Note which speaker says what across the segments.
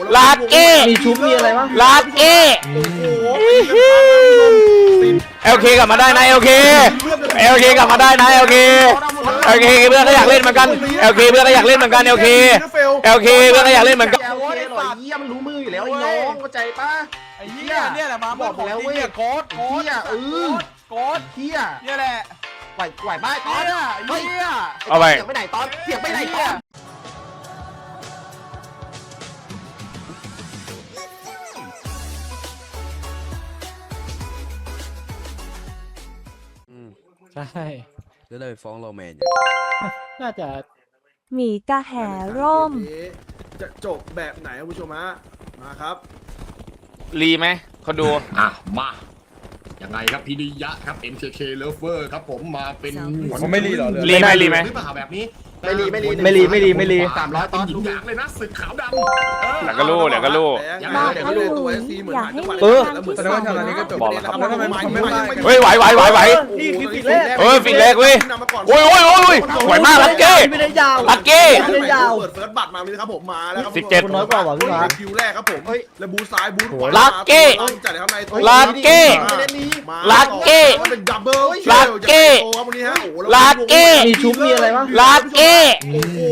Speaker 1: ลาเก้
Speaker 2: มีชุบมีอะไรบ้าง
Speaker 1: ลาเก้เอลเคกลับมาได้นะเอลเคกลับมาได้นะเอลเคเพื่อนก็อยากเล่นเหมือนกันเอลเคเพื่อนก็อยากเล่นเหมือนกันเอลเคเพื่อนก็อยากเล่นเหมือนกัน
Speaker 2: เยี่ยมรู้มืออยู่แล้วไอ้น้องเข้าใจปะ
Speaker 3: ไอ้เหี้ยเนี่ยแหละมา
Speaker 2: บอกแล้วเว้ย
Speaker 3: โค้ด
Speaker 2: เฮีย
Speaker 3: โค้ด
Speaker 2: เฮีย
Speaker 3: เนี่ยแหละ
Speaker 2: ไหวบ้าตอน
Speaker 3: เหี้ย
Speaker 1: เอาไป
Speaker 2: เสียงไปไหนตอนเสียงไปไหนตอน
Speaker 1: ใช่
Speaker 4: จะได้ไปฟ้องโรแมน
Speaker 1: น่าจะ
Speaker 5: หมีกระแหร่ม
Speaker 6: จะจบแบบไหนคุณผู้ชมฮะมาครับ
Speaker 1: รีไหมคนดู
Speaker 7: มายังไงครับพินิยะครับ MKK Lover ครับผมมาเป็น
Speaker 4: เขาไม่รีหรอ
Speaker 1: รีไหมหรือเป
Speaker 7: ล่าแบบนี้
Speaker 2: ไม่รี
Speaker 7: 300ตอนหญิงอย่างเลยนะศึกขาวดำ
Speaker 1: แล้วก็รู้
Speaker 5: อยากให้
Speaker 6: ตัวSCเหมือนหายจังหวะ
Speaker 4: แสดงว่าชาวนี้ก็จบ
Speaker 6: แล้วทำไมไม่
Speaker 1: เฮ้ยไหว
Speaker 6: นี่คือฟิกแรก
Speaker 1: ฟิกแรกเว้ยโอ้ยไหวมากลักเก้
Speaker 2: ไม่ได้ยาว
Speaker 1: ลักเก้
Speaker 6: ไม่ได้ยาวเปิดเฟิร์สบัตรมาเลยครับผมมาแล้วครับ
Speaker 1: 17
Speaker 2: น้อยกว่าพี่ฟ้า
Speaker 6: คิวแรกครับผมแล้วบูซ้ายบูขวา
Speaker 1: ลักเก้
Speaker 6: จัดเลยครับใน
Speaker 1: ลักเก้
Speaker 6: เป็นดับเบิล
Speaker 1: ลักเก้
Speaker 2: มีชุบมีอะไรบ้าง
Speaker 1: ลักเก้
Speaker 6: โอ้โห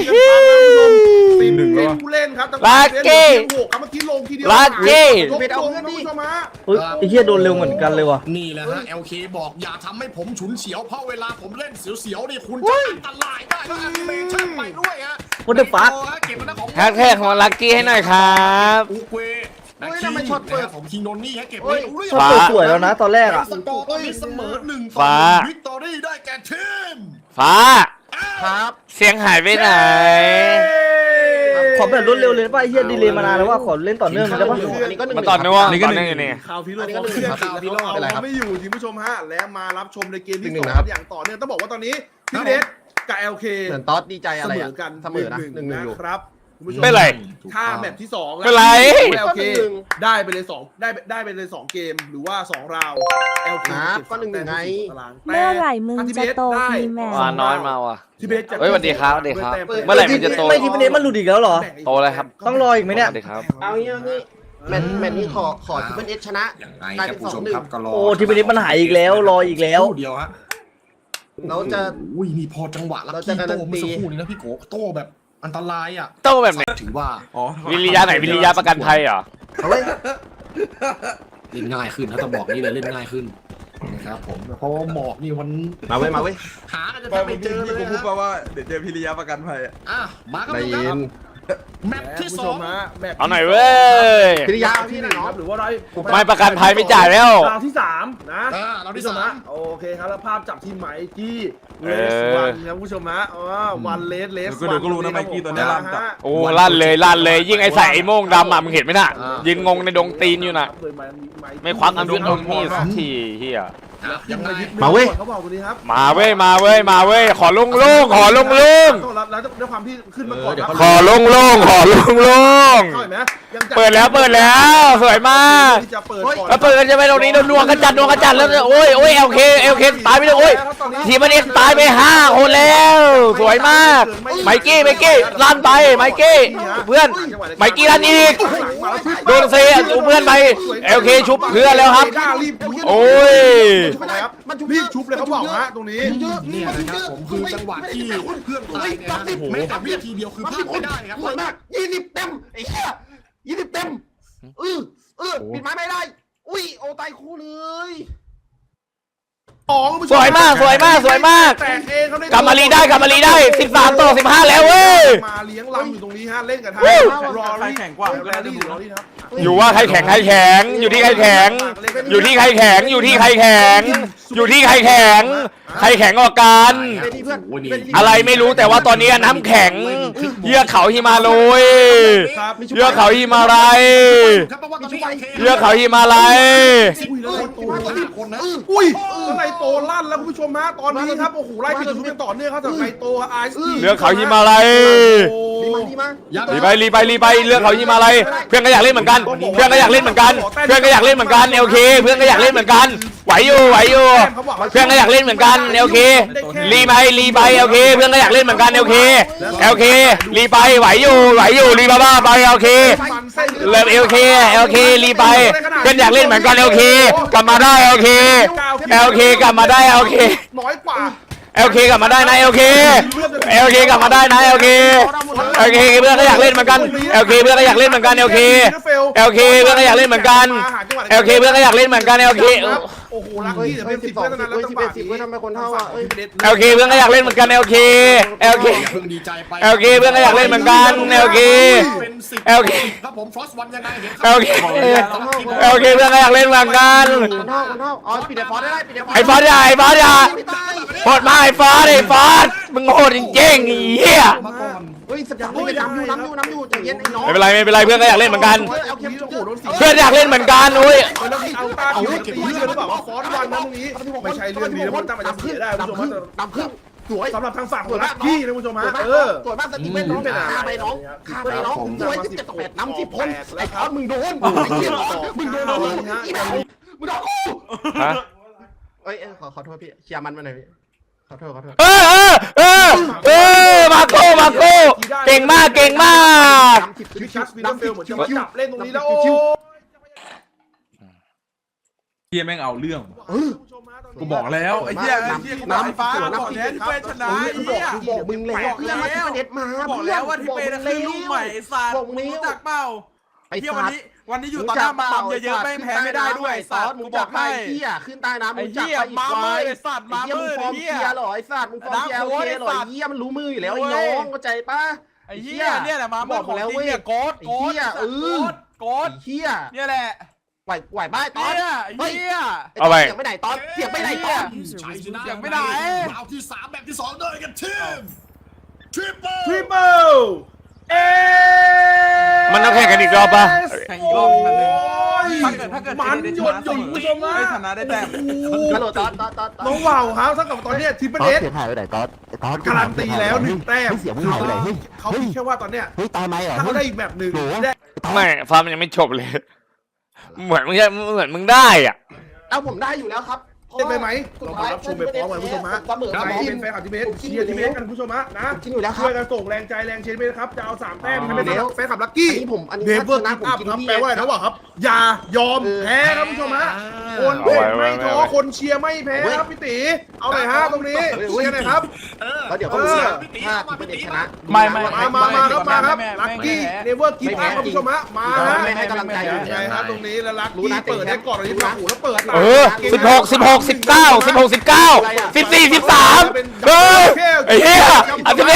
Speaker 6: เป็นผู้เล่นครับ
Speaker 1: ลักเก้
Speaker 6: เมื่อกี้ลงทีเดียว
Speaker 1: ลักเก้
Speaker 2: ไอ้เหี้ยโดนเร็วเหมือนกันเลยว่ะ
Speaker 7: นี่แหละฮะ LK บอกอย่าทำให้ผมฉุนเฉียวเพราะเวลาผมเล่นเสียวๆนี่คุณจะอันตรายได้แล้วแอนิเมชั่นไปด้วยฮะ
Speaker 2: what the fuck
Speaker 7: เก็บมันของ
Speaker 1: แฮชแท็กของลักกี้ให้หน่อยครับ
Speaker 7: อุกเวนะคิงนะครับผมคิงโนนี่ฮะเก็บไว้
Speaker 2: ช็อตสวยแล้วนะตอนแรกอ่ะ
Speaker 7: สกอร์ตอนนี้เสมอ1-1วิกตอรี่ได้แก่ทีม
Speaker 1: ฟ้า
Speaker 2: ครับ
Speaker 1: เสียงหายไปไหน
Speaker 2: ขอแบบรวดเร็วเลยป่ะไอ้เหี้ยดีเลย์มานานแล้วว่าขอเล่นต่อเนื่องได้ป่ะ
Speaker 1: มาต่อเนื่องอยู่นี่
Speaker 6: ข่าวพิโรจน์เขาไม่อยู่ทีมผู้ชมฮะและมารับชมในเกมที่2อย่างต่อเนื่องต้องบอกว่าตอนนี้พี่เดชกับ LK
Speaker 2: เหมือนต๊อดดีใจอะไร
Speaker 6: กัน
Speaker 2: เสมอนะ
Speaker 6: นะครับ
Speaker 1: ไม่ไร
Speaker 6: ถ้าแมตช์ที่2
Speaker 1: ไม่ไร
Speaker 6: LK ได้ไปเลย2ได้ไปเลย2เกมหรือว่า2ราว LK
Speaker 2: ก็1ไง
Speaker 5: เมื่อไหร่มึงจะโตอีแมว
Speaker 1: มาน้อยมาว่ะ
Speaker 6: เฮ้
Speaker 1: ยสวัสดีครับเมื่อไหร่มันจะโต
Speaker 2: ไม่ทีประเด็นมันหลุดอีกแล้วเหรอ
Speaker 1: โตเลยครับ
Speaker 2: ต้องรออีกไหมเนี่ย
Speaker 6: เอางี้
Speaker 2: แมตช์นี้ขอทีเป็นเอชชนะ
Speaker 7: กลายเป็น2-1
Speaker 2: โอ้ทีเป็นเอชมันหายอีกแล้วรออีกแล้ว
Speaker 7: เดียวฮะ
Speaker 2: เราจะ
Speaker 7: มีพอจังหวะลักกี้โตเมื่อสักครู่นี้นะพี่โกโตแบบอันตรายอ่ะ
Speaker 1: โตแบบไหน
Speaker 7: ถือว่า
Speaker 1: วิริยะไหนวิริยะประกันภัยเหรอ
Speaker 7: เล่นง่ายขึ้นนะต้องบอกนี่เลยเล่นง่ายขึ้นนะครับผมเพราะหมอกนี่มัน
Speaker 2: มาเว้ย
Speaker 7: หากันจะไม่เจอเลย
Speaker 4: กูพูดว่าเดี๋ยวเจอพิริยะประกันภัย
Speaker 7: มาก็ได้ครับแมปที่2
Speaker 1: เอาหน่อยเว้ย
Speaker 2: พิริยะที่1
Speaker 6: ครับหรือว่า
Speaker 1: ไม่ประกันภัยไม่จ่ายแล้ว
Speaker 6: ราวที่3นะ
Speaker 7: ราวที่3
Speaker 6: โอเคครับแล้วภาพจับที่ไมกี้เลสวันครับผู้ชมฮะวันเลส
Speaker 4: วันก็รู้นะไมกี้ตัวนี้ลั่นจัด
Speaker 1: โอ้ลั่นเลยยิ่งไอ้ใส่ไอ้โม่งดำมึงเห็นไหมน่ะยืนงงในดงตีนอยู่น่ะไม่ควักอันวิ่งมีสักทีเฮีย
Speaker 6: มาเว้ยเขาบอกตัวนี้ครับ
Speaker 1: มาเว้ยขอลง
Speaker 6: แล้วด้วยความที่ขึ้นมาก่อน
Speaker 1: ขอลงเปิดแล้วสวยมากแล้วเปิดกันจะไปตรงนี้นัวกระจัดแล้วโอ้ยเอลเคตายไปเลยโอ้ยทีมันเอ็กตายไป5 คนแล้วสวยมากไมกี้ลั่นไปไมกี้เพื่อนไมกี้ลั่นอีกโดนเซ่เพื่อนไปเอลเคชุบเพื่อนแล้วครับโอ้ย
Speaker 6: รีบชุบเลยเขาบอกฮะตรงนี้
Speaker 7: นี่นะครับผมคือจังหวะที่เพื่อนตายเนี่ยนะแม้แต่วินาทีเดียวคือพลาดไม่ได้ครับ
Speaker 2: สวยมาก20เต็มไอ้เหี้ย20เต็มปิดไม้ไม่ได้อุ้ยโอตายคู่เลย
Speaker 1: สวยมากกลับมาลีได้13-15แล้วเว้ย
Speaker 6: มาเลี้ยงลำอยู่ตรงนี้ฮะเล่นกับทาง
Speaker 4: รอแข่งกว่า
Speaker 1: อยู่ว่าใครแข็งอยู่ที่ใครแข็งใครแข็งออกกันอะไรไม่รู้แต่ว่าตอนนี้น้ำแข็งเยือกเขาหิมาลัย
Speaker 6: อุ้ยไนโตลั่นแล้วคุณผู้ชมฮะตอนนี้ครับโอ้โหไล่ปิดจุดเป็นต่อเนื่องครับจากไนโตไอซ์
Speaker 1: เรือเขาหิมาลัยรีไปเรือเขาหิมาลัยเพื่อนก็อยากเล่นเหมือนกันเพื่อนก็อยากเล่นเหมือนกันโอเคเพื่อนก็อยากเล่นเหมือนกันไหวอยู่เพื่อนก็อยากเล่นเหมือนกันโอเครีไปโอเคเพื่อนก็อยากเล่นเหมือนกันโอเครีไปไหวอยู่รีบ้าไปโอเคเริ่มLKรีไปเพื่อนอยากเล่นเหมือนกันLKกลับมาได้LK กลับมาได้LK
Speaker 6: น้อยกว่า
Speaker 1: LK กลับมาได้นะLK กลับมาได้นะ LK เพื่อนก็อยากเล่นเหมือนกัน LK เพื่อนก็อยากเล่นเหมือนกัน LK เพื่อนก็อยากเล่นเหมือนกัน LK เพื่อนก็อยากเล่นเหมือนกัน LK
Speaker 6: โอ้โหลักกี้เดี๋ยวเป็น10เพื่อนนั้นแล้วจังหวะนี้
Speaker 2: ทำไมคนเท่าอ่ะ
Speaker 1: LK เพื่อนก็อยากเล่นเหมือนกัน LK
Speaker 7: อย่าเพิ่งดีใจไป
Speaker 1: LK เพื่อนก็อยากเล่นเหมือนกัน LK
Speaker 7: เป็น10
Speaker 1: LK
Speaker 7: ครับผมฟรอสวันยังไงเห็น
Speaker 1: LK เพื่อนก็อยากเล่นเหมือนกัน
Speaker 2: คนเท่าอ๋อปิดไอ้ฟอสได้ปิดไอ้ฟอส
Speaker 1: ไอ้ฟอสอย่าโหดมากไอ้ฟอสมึงโหดจริงๆไอ้เหี้ย
Speaker 7: มาก่อน
Speaker 2: เฮ้ยสัปดาห์นี้น้ำอยู่ใจเย็นไอ้น้อง
Speaker 1: ไม่เป็นไรเพื่อนก็อยากเล่นเหมือนกัน
Speaker 2: เอาเข็มจุกหู
Speaker 1: เพื่อนอยากเล่นเหมือนกันอุ้ย
Speaker 6: แล้วเอาตาคิวตีเชื่อหรือเปล่าว่าฟอสวันนะตรงนี้ไม่ใช่เรื่องดีแล้วมันตั้งมาจะเสียได้คุณผู้ชม
Speaker 2: ดำขึ้นสวย
Speaker 6: สำหรับทางฝั่งของลักกี้นะคุณผู้ชมฮะ
Speaker 2: สวยมากสติเป็นน้องฆ่าไปน้องสวย17-8น้ำ10คนไอ้ฟอสมึงโดนไอ้เหี้ยมึงโดนมึงโดนกู
Speaker 1: ฮะ
Speaker 2: เอ้ยขอโทษพี่เคลียร์มันมาหน่อยพี่ขอโทษ
Speaker 1: มาโก้เก่งมาก
Speaker 6: วิชัสวินเฟลเหมือนจะมาจับเล่นตรงนี้แล้วโอ้
Speaker 4: เฮียแม่งเอาเรื่องกูบอกแล้วไอ้เฮียกูบอกไอ้ฟ้าบอกแล้วที่เป้ชนะไอ้เฮีย
Speaker 2: บอกมึงแล้วเพื่อนมาที่ประเด็นมา
Speaker 3: บอกแล้วว่าที่เป็นคือลูกใหม่ไอ้สัตว์รู้จักเปล่าเที่ยววันนี้อยู่ต่อหน้ามัมเยอะๆไม่แพ้ไม่ได้ด้วยไอ้สัตว์กูบอกให้
Speaker 2: เหี้ยขึ้นใต้น้ำ
Speaker 3: ไอ้เหี้ยมามือไอ้สัตว์มามือ
Speaker 2: ฟอร์ม
Speaker 3: ไอ้
Speaker 2: เกี
Speaker 3: เหี้ย
Speaker 2: ยร์หรอไอ้สัตว์มึงฟอร์มเกียร์โอเคหรอเหี้ยมันรู้มืออยู่แล้วไอ้น้องเข้าใจป่ะ
Speaker 3: ไอ้เหี้ยเนี่ยแหละมาบอกแล้วเว้ยโกดโกด
Speaker 2: เหี้ย
Speaker 3: เนี่ยแหละ
Speaker 2: ไหวบ้าตอน
Speaker 3: เหี้ย
Speaker 1: เอาไป
Speaker 2: เสียงไปไหนตอนเสียงไปไหนตอน
Speaker 7: ชัยชนะ
Speaker 3: ยังไม่ได้
Speaker 7: ราวที่3แบบที่2ด้วยกันทีมทริปเปิล
Speaker 6: ทริปเปิลเอ
Speaker 1: มันต้องแข่งกันอีกรอบป่ะ
Speaker 3: แข่งอีกรอบนึงถ้าเกิด
Speaker 6: มันหยดหยุ่นคุณผู้ชมนะ
Speaker 3: ไม่ชนะได้แต้ม
Speaker 2: ฮัลโหลตอน
Speaker 6: น้องว่าวครับเท่ากับตอนนี้ทริปเปิลเอส
Speaker 8: เสียหายไปไหนตอน
Speaker 6: การันตีแล้ว1 แต้ม
Speaker 8: เสียมึงหายไปไหนเฮ้ย
Speaker 6: เขาคิดแค่ว่าตอนเนี้ย
Speaker 8: เฮ้ยตายไหมเหรอ
Speaker 6: ถ้าเขาได้อีกแบบหนึ่งได้
Speaker 1: ไม่ฟาร์มยังไม่จบเลย เหมือนมึงได้อ่ะ
Speaker 2: เอาผมได้อยู่แล้วครับ
Speaker 6: ได้ไปไหมเรามารับชมไปพร้อมกันคุณผู้ชมฮะ
Speaker 2: เสมอ
Speaker 6: ใคร
Speaker 2: ที
Speaker 6: เป็
Speaker 2: ม
Speaker 6: นแฟนคลับทีมเมสเชียร์ทีมเมสกันคุณผู้ชมฮะนะ
Speaker 2: กินอยู่แล้วครั
Speaker 6: ช่
Speaker 2: บ
Speaker 6: วยกันส่งแรงใจแรงเชียร์ทีมเมสครับจะเอา3 แต้มให้เป็นแฟนคลับลัคกี้
Speaker 2: อันนี้
Speaker 6: เนเวอร์
Speaker 2: นะ
Speaker 6: กิฟต์อัพครับแปลว่าอะไรนะวะครับอย่ายอมแพ้ครับคุณผู้ชมฮะคนเล่นไม่ท้อคนเชียร์ไม่แพ้ครับพี่ตีเอาหน่อยฮะตรงนี้เชียร์หน่อยครับ
Speaker 2: แล้วเดี๋ยวก็รู้นะถ้าทีมเป็นชนะ
Speaker 6: มาครับลัคกี้เนเวอร์กิฟต์อัพครับคุณผู้ชมฮะมาฮะ
Speaker 2: ไม่ให้กำลังใจอยู่
Speaker 6: ใช่ครับตรงนี้แล้วลัคกี้เปิดได้ก่อนเลยที่หูแล้วเปิด
Speaker 1: 16 19 14 13เฮ้ยไอ้เหี้ย11 10 9 9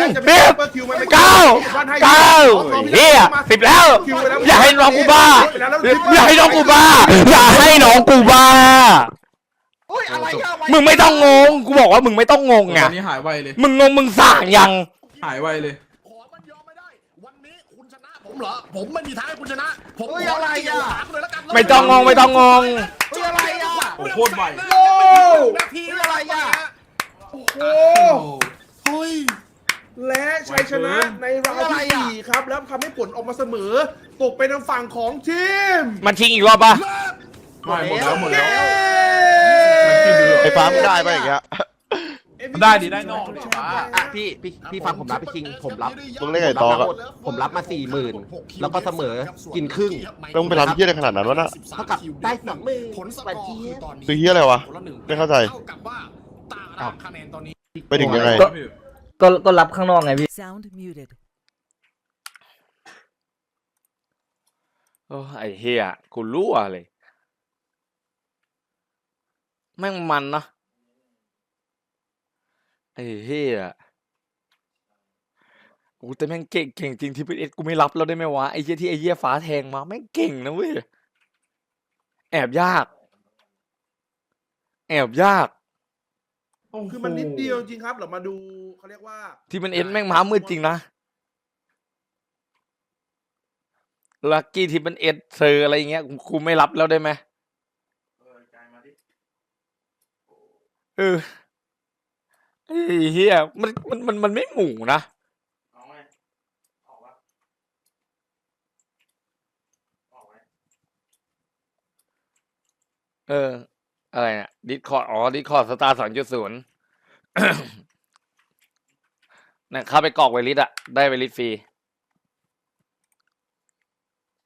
Speaker 1: เหี้ย10แล้วอย่าให้น้องกูบ้าอย่าให้น้องกูบ้ามึงไม่ต้องงงกูบอกว่ามึงไม่ต้องงงไง
Speaker 4: ตอนนี้หายไวเลย
Speaker 1: มึงงงมึงสั่งยัง
Speaker 4: หายไวเลย
Speaker 7: ขอมันยอมไม่ได้ วันนี้คุณชนะผมเหรอ ผมไม่มีทางให้คุณชนะ ผม
Speaker 2: เฮ้ยอะไรอ่ะ
Speaker 7: เลยแล้วกัน
Speaker 1: ไม่ต้องงง
Speaker 2: เฮ้ยอะไรอ่ะ
Speaker 4: โอ้โคตรไว
Speaker 7: นาที
Speaker 2: เฮ้ยอะไรอ่ะ
Speaker 6: โอ้โห
Speaker 7: เฮ้ย
Speaker 6: และชัยชนะในราวที่4ครับแล้วทำให้ผลออกมาเสมอตกเป็นทางฝั่งของทีม
Speaker 1: มันชิงอีกรอบปะ
Speaker 4: ไม่หมดแล้วหมดแล้ว
Speaker 8: ไอ้ฟ้ามึงได้ป่ะอย่างเงี้ย
Speaker 4: ได้ดิได้นอก
Speaker 2: อ่ะพี่ฟังผมรับพี่คิงผมรับ
Speaker 8: มึงเล่นไงต่อครับ
Speaker 2: ผมรับมา40,000แล้วก็เสมอกินครึ่ง
Speaker 8: ต้องไปทำเฮี้ยอะไรขนาดนั้นวะน่ะ
Speaker 2: เท่ากับได้20,000
Speaker 7: ผลสกอร์คือตอนนี้
Speaker 8: คือเฮี้ยอะไรวะ
Speaker 7: คนละ1
Speaker 8: ไม่เข้าใจ
Speaker 7: เท่ากับว่าตารางคะแนนตอนนี้
Speaker 8: ไปถึงยังไง
Speaker 9: ก็รับข้างนอกไงพี่
Speaker 10: Sound muted.
Speaker 1: โอ้ไอ้เหี้ยกูรั่วเลยแม่งมันนะไอ้เหี้ยกูแต่แม่งเก่งจริงที่พีเอสกูไม่รับแล้วได้ไหมวะไอ้เหี้ยที่ไอ้เหี้ยฟ้าแทงมาแม่งเก่งนะเว้ยแอบยาก
Speaker 6: คือมันนิดเดียวจริงครับเรามาดูเขาเรียกว่า
Speaker 1: ที่มันเอ็นแม่งม้ามืดจริงนะลักกี้ที่มันเอ็ดเซอร์อะไรเงี้ยกูไม่รับแล้วได้ไหมไอ้เหี้ยมันไม่หมู่นะอะไรเนี่ยดิสคอร์ดดิสคอร์ดสตาร์2.0เนี่ยเข้าไปกรอกไวลิสอะได้ไวลิสฟรี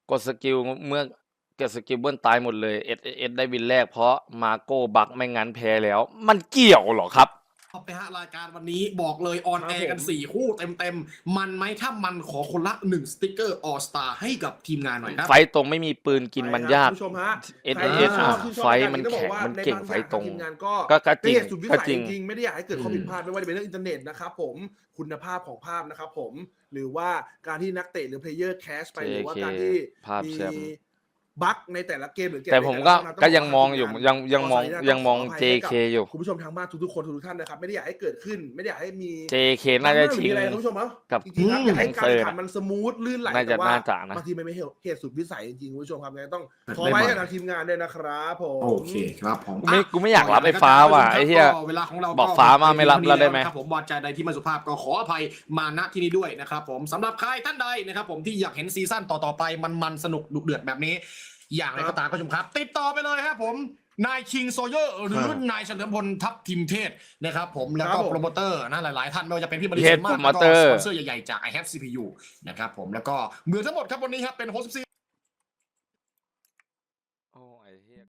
Speaker 1: กดสกิลเมื่อเกิดสกิลเบิ้ลตายหมดเลยเอสได้วินแรกเพราะมาโก้บักไม่งั้นแพ้แล้ว มันเกี่ยวเหรอครับ
Speaker 7: เอาไปฮะรายการวันนี้บอกเลยออนแอร์กัน4คู่เต็มมันไหมถ้ามันขอคนละ1สติ๊กเกอร์ออสตาให้กับทีมงานหน่อยครับ
Speaker 1: ไฟตรงไม่มีปืนกินมันยาก
Speaker 6: ผู้ชมฮะ
Speaker 1: เอสไฟมันแข็งมันเก่งไฟตรง
Speaker 6: ทีมงาน
Speaker 1: ก็จริง
Speaker 6: เป็นเหตุสุดวิ
Speaker 1: ก็
Speaker 6: สัย
Speaker 1: จริง
Speaker 6: จริงๆไม่ได้อยากให้เกิดข้อผิดพลาดไม่ว่าจะเป็นเรื่องอินเทอร์เน็ตนะครับผมคุณภาพของภาพนะครับผมหรือว่าการที่นักเตะหรือเพลเยอร์แคชไปหรือว่าการที่
Speaker 1: ภาพ
Speaker 6: มี
Speaker 1: แชมป์
Speaker 6: บั๊กในแต่ละเกมหรือเกม
Speaker 1: แต่ผมก็ยังมองอยู่ยังมอง
Speaker 6: ขออภั
Speaker 1: JK อยู่
Speaker 6: คุณผู้ชมทางบ้านทุกๆคนทุกๆท่านนะครับไม่ได้อยากให้เกิดขึ้นไม่ได้อยากให้มี
Speaker 1: JK น่าจะชิง
Speaker 6: มีอะไรคุณผู้ชมเนาะ
Speaker 1: กับ
Speaker 6: จริงๆครับอยากให้การ
Speaker 1: เซอร์
Speaker 6: แข่งขันมันสมูทลื่นไหล
Speaker 1: น่าจะ
Speaker 6: แต่ว่า
Speaker 1: น่าจะนะ
Speaker 6: บางทีมันไม่เหตุสุดวิสัยจริงๆคุณผู้ชมครับยังไงต้องขอไว้กับทางทีมงานด้วยนะครับผม
Speaker 7: โอเคครับผม
Speaker 1: กูไม่อยากรับไอ้ฟ้าว่ะไอ้เหี้ย
Speaker 7: เวลาของเรา
Speaker 1: บอกฟ้ามาไม่รับเราได้ไหม
Speaker 7: ครับผมวาจาใดที่ไม่สุภาพก็ขออภัยมาณที่นี้ด้วยนะครับผมสำหรับใครท่านใดนะครับผมที่อยากเห็นซีซั่นต่อๆไปมันสนุกดุเดือดแบบนี้ อย่างไรก็ตามคุณผู้ชมครับ ติดต่อไปเลยครับผมนายคิงโซเยอร์หรือนายเฉลิมพลทัพทิมเทศนะครับผมแล้วก็โปรโมเตอร์นะหลายๆท่านไม่ว่าจะเป็นพี่บริษัทมากแล้วก็สปอนเซอร์ใหญ่ๆจาก I Have CPU นะครับผมแล้วก็เหมือนทั้งหมดครับวันนี้ครับเป็นโฮสต์